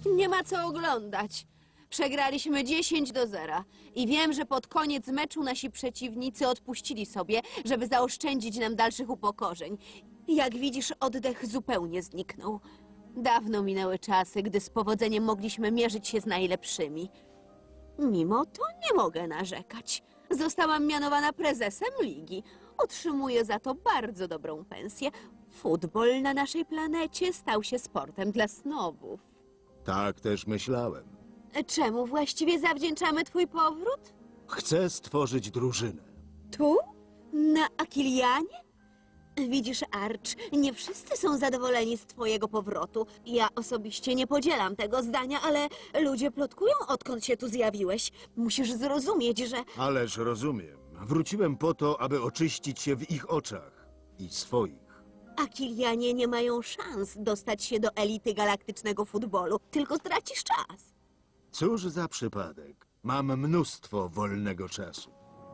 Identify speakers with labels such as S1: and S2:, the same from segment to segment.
S1: Nie ma co oglądać. Przegraliśmy 10-0 i wiem, że pod koniec meczu nasi przeciwnicy odpuścili sobie, żeby zaoszczędzić nam dalszych upokorzeń. Jak widzisz, oddech zupełnie zniknął. Dawno minęły czasy, gdy z powodzeniem mogliśmy mierzyć się z najlepszymi. Mimo to nie mogę narzekać. Zostałam mianowana prezesem ligi. Otrzymuję za to bardzo dobrą pensję. Futbol na naszej planecie stał się sportem dla snobów.
S2: Tak też myślałem.
S1: Czemu właściwie zawdzięczamy twój powrót?
S2: Chcę stworzyć drużynę.
S1: Tu? Na Akilianie? Widzisz, Arch, nie wszyscy są zadowoleni z twojego powrotu. Ja osobiście nie podzielam tego zdania, ale ludzie plotkują, odkąd się tu zjawiłeś. Musisz zrozumieć, że...
S2: Ależ rozumiem. Wróciłem po to, aby oczyścić się w ich oczach. I swoich.
S1: Akilianie nie mają szans dostać się do elity galaktycznego futbolu, tylko tracisz czas.
S2: Cóż za przypadek. Mam mnóstwo wolnego czasu.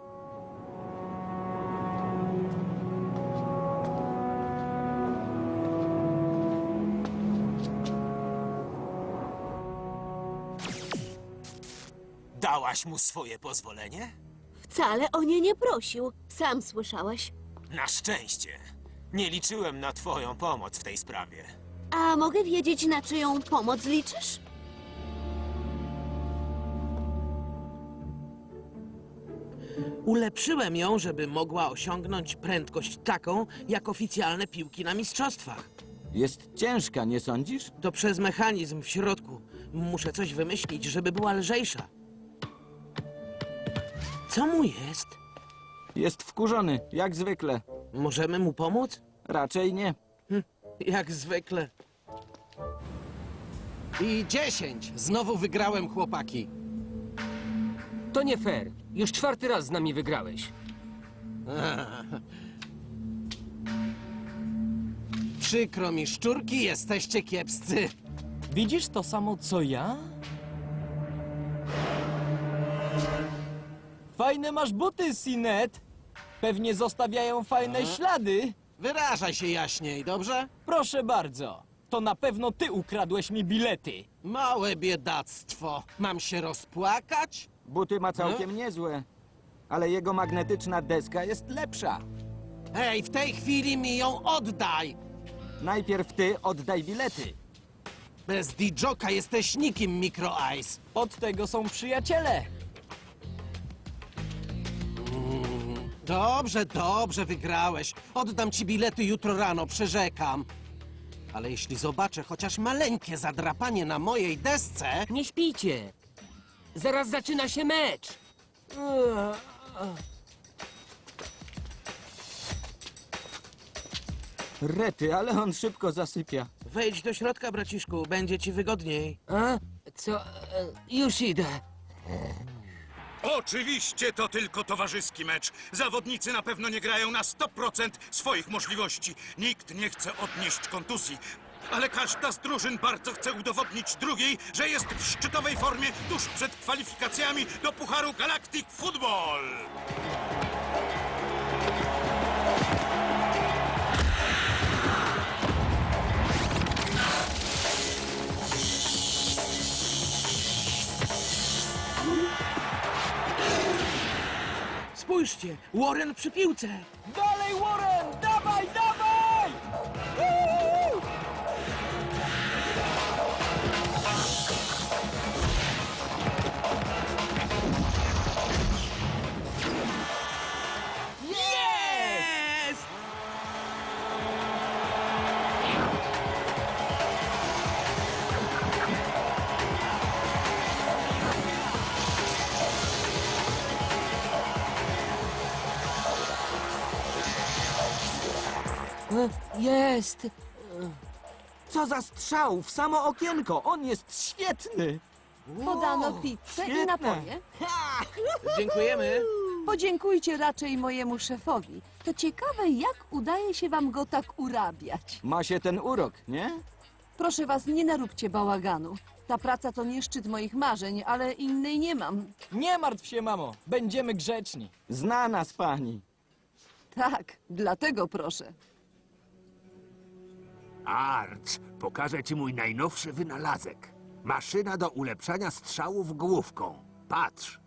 S3: Dałaś mu swoje pozwolenie?
S1: Wcale o nie nie prosił. Sam słyszałeś.
S3: Na szczęście. Nie liczyłem na twoją pomoc w tej sprawie.
S1: A mogę wiedzieć, na czyją pomoc liczysz?
S4: Ulepszyłem ją, żeby mogła osiągnąć prędkość taką, jak oficjalne piłki na mistrzostwach.
S5: Jest ciężka, nie sądzisz?
S4: To przez mechanizm w środku. Muszę coś wymyślić, żeby była lżejsza. Co mu jest?
S5: Jest wkurzony, jak zwykle.
S4: Możemy mu pomóc?
S5: Raczej nie.
S4: Jak zwykle.
S6: I 10. Znowu wygrałem, chłopaki.
S7: To nie fair. Już 4. raz z nami wygrałeś.
S6: Przykro mi, szczurki, jesteście kiepscy.
S8: Widzisz to samo, co ja? Fajne masz buty, Sinet. Pewnie zostawiają fajne ślady.
S6: Wyrażaj się jaśniej, dobrze?
S8: Proszę bardzo. To na pewno ty ukradłeś mi bilety.
S6: Małe biedactwo. Mam się rozpłakać?
S5: Buty ma całkiem niezłe. Ale jego magnetyczna deska jest lepsza.
S6: Hej, w tej chwili mi ją oddaj!
S5: Najpierw ty oddaj bilety.
S6: Bez Dijoka jesteś nikim, Micro Ice.
S8: Od tego są przyjaciele.
S6: Dobrze, dobrze, wygrałeś. Oddam ci bilety jutro rano, przyrzekam. Ale jeśli zobaczę chociaż maleńkie zadrapanie na mojej desce...
S7: Nie śpijcie. Zaraz zaczyna się mecz.
S5: Rety, ale on szybko zasypia.
S4: Wejdź do środka, braciszku, będzie ci wygodniej.
S7: A? Co? Już idę.
S9: Oczywiście to tylko towarzyski mecz. Zawodnicy na pewno nie grają na 100% swoich możliwości. Nikt nie chce odnieść kontuzji. Ale każda z drużyn bardzo chce udowodnić drugiej, że jest w szczytowej formie tuż przed kwalifikacjami do Pucharu Galactic Football.
S4: Spójrzcie, Warren przy piłce.
S8: Dalej, Warren! Dawaj, dawaj! Uuu!
S4: Jest!
S7: Jest.
S5: Co za strzał w samo okienko! On jest świetny!
S10: Podano pizzę i napoje.
S4: Dziękujemy.
S10: Podziękujcie raczej mojemu szefowi. To ciekawe, jak udaje się wam go tak urabiać.
S5: Ma się ten urok, nie?
S10: Proszę was, nie naróbcie bałaganu. Ta praca to nie szczyt moich marzeń, ale innej nie mam.
S8: Nie martw się, mamo. Będziemy grzeczni.
S5: Zna nas pani.
S10: Tak, dlatego proszę.
S11: Arch, pokażę ci mój najnowszy wynalazek. Maszyna do ulepszania strzałów główką. Patrz.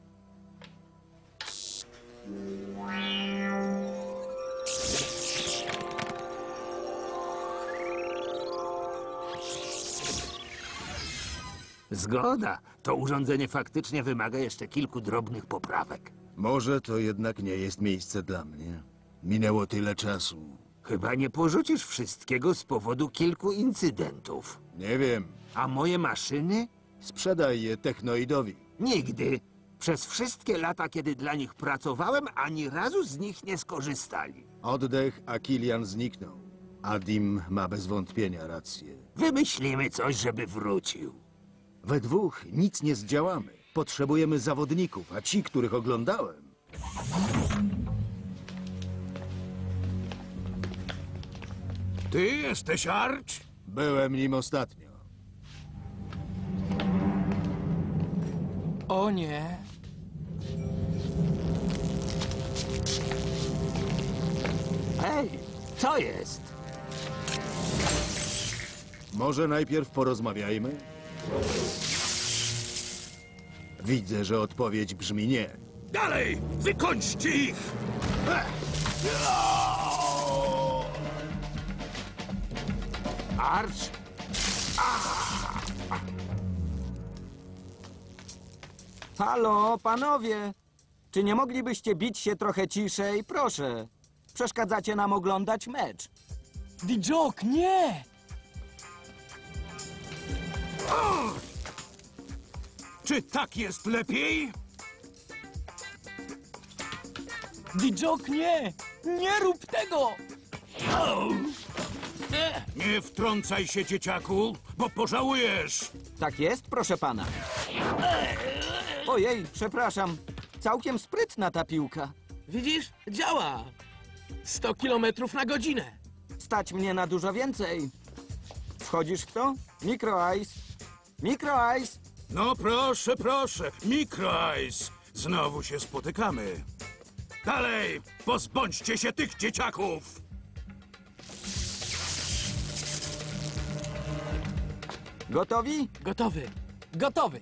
S11: Zgoda. To urządzenie faktycznie wymaga jeszcze kilku drobnych poprawek.
S2: Może to jednak nie jest miejsce dla mnie. Minęło tyle czasu.
S11: Chyba nie porzucisz wszystkiego z powodu kilku incydentów.
S2: Nie wiem.
S11: A moje maszyny?
S2: Sprzedaj je Technoidowi.
S11: Nigdy. Przez wszystkie lata, kiedy dla nich pracowałem, ani razu z nich nie skorzystali.
S2: Oddech, a Kilian zniknął. Adim ma bez wątpienia rację.
S11: Wymyślimy coś, żeby wrócił.
S2: We dwóch nic nie zdziałamy. Potrzebujemy zawodników, a ci, których oglądałem...
S9: Ty jesteś Arch?
S2: Byłem nim ostatnio.
S8: O nie.
S11: Hej, co jest?
S2: Może najpierw porozmawiajmy? Widzę, że odpowiedź brzmi nie.
S9: Dalej! Wykończcie ich!
S11: Arch?
S5: Halo, panowie! Czy nie moglibyście bić się trochę ciszej? Proszę. Przeszkadzacie nam oglądać mecz.
S8: Dijok, nie!
S9: Czy tak jest lepiej?
S8: Dijok, nie! Nie rób tego!
S9: Nie wtrącaj się, dzieciaku, bo pożałujesz!
S5: Tak jest, proszę pana. Ojej, przepraszam. Całkiem sprytna ta piłka.
S4: Widzisz? Działa! 100 kilometrów na godzinę.
S5: Stać mnie na dużo więcej. Wchodzisz w to? Micro Ice. Micro Ice.
S9: No proszę, proszę, Micro Ice! Znowu się spotykamy. Dalej! Pozbądźcie się tych dzieciaków!
S5: Gotowi?
S4: Gotowy.
S8: Gotowy.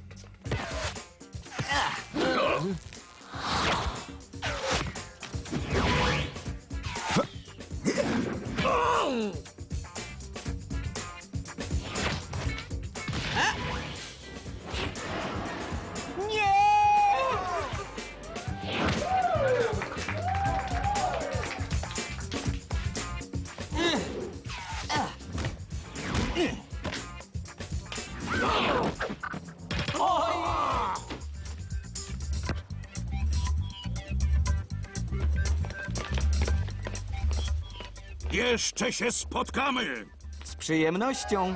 S9: Jeszcze się spotkamy!
S5: Z przyjemnością.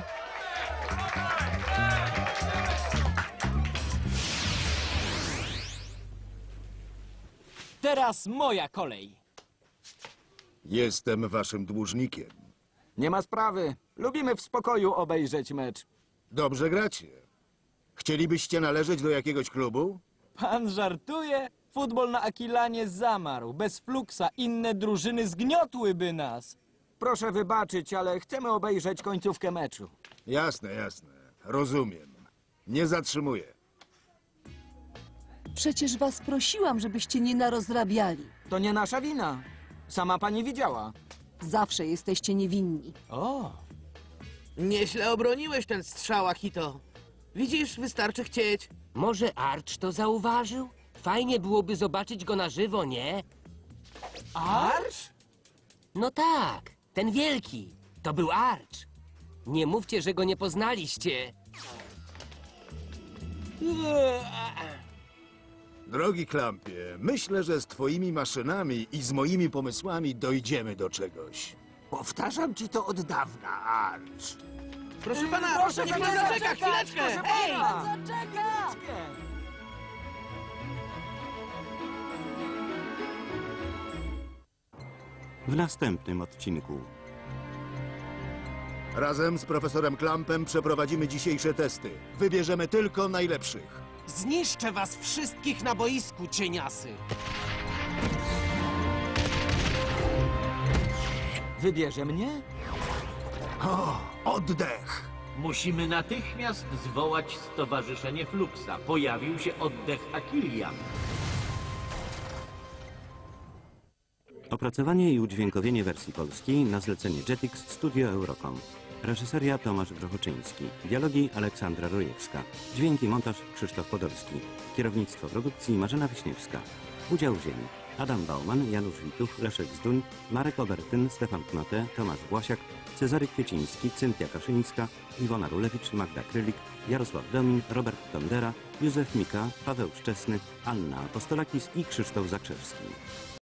S8: Teraz moja kolej.
S2: Jestem waszym dłużnikiem.
S5: Nie ma sprawy. Lubimy w spokoju obejrzeć mecz.
S2: Dobrze gracie. Chcielibyście należeć do jakiegoś klubu?
S8: Pan żartuje? Futbol na Akilanie zamarł. Bez Fluxa inne drużyny zgniotłyby nas.
S5: Proszę wybaczyć, ale chcemy obejrzeć końcówkę meczu.
S2: Jasne, jasne. Rozumiem. Nie zatrzymuję.
S10: Przecież was prosiłam, żebyście nie narozrabiali.
S5: To nie nasza wina. Sama pani widziała.
S10: Zawsze jesteście niewinni.
S8: O,
S4: Nieźle obroniłeś ten strzał, Akito. Widzisz, wystarczy chcieć.
S7: Może Arch to zauważył? Fajnie byłoby zobaczyć go na żywo, nie?
S8: Arch?
S7: No tak, ten wielki. To był Arch. Nie mówcie, że go nie poznaliście.
S2: Drogi Klampie, myślę, że z twoimi maszynami i z moimi pomysłami dojdziemy do czegoś.
S11: Powtarzam ci to od dawna, Arch.
S4: Proszę pana, proszę, niech pan zaczeka chwileczkę! Hej!
S12: W następnym odcinku.
S2: Razem z profesorem Klampem przeprowadzimy dzisiejsze testy. Wybierzemy tylko najlepszych.
S6: Zniszczę was wszystkich na boisku, cieniasy.
S5: Wybierze mnie?
S2: O, oddech!
S13: Musimy natychmiast zwołać Stowarzyszenie Fluxa. Pojawił się oddech Akilian.
S12: Opracowanie i udźwiękowienie wersji polskiej na zlecenie Jetix Studio Eurocom. Reżyseria Tomasz Grochoczyński. Dialogi Aleksandra Rojewska. Dźwięk i montaż Krzysztof Podolski. Kierownictwo produkcji Marzena Wiśniewska. Udział wzięli Adam Bauman, Janusz Wituch, Leszek Zduń, Marek Obertyn, Stefan Knote, Tomasz Błasiak, Cezary Kwieciński, Cynthia Kaszyńska, Iwona Rulewicz, Magda Krylik, Jarosław Domin, Robert Tondera, Józef Mika, Paweł Szczesny, Anna Apostolakis i Krzysztof Zakrzewski.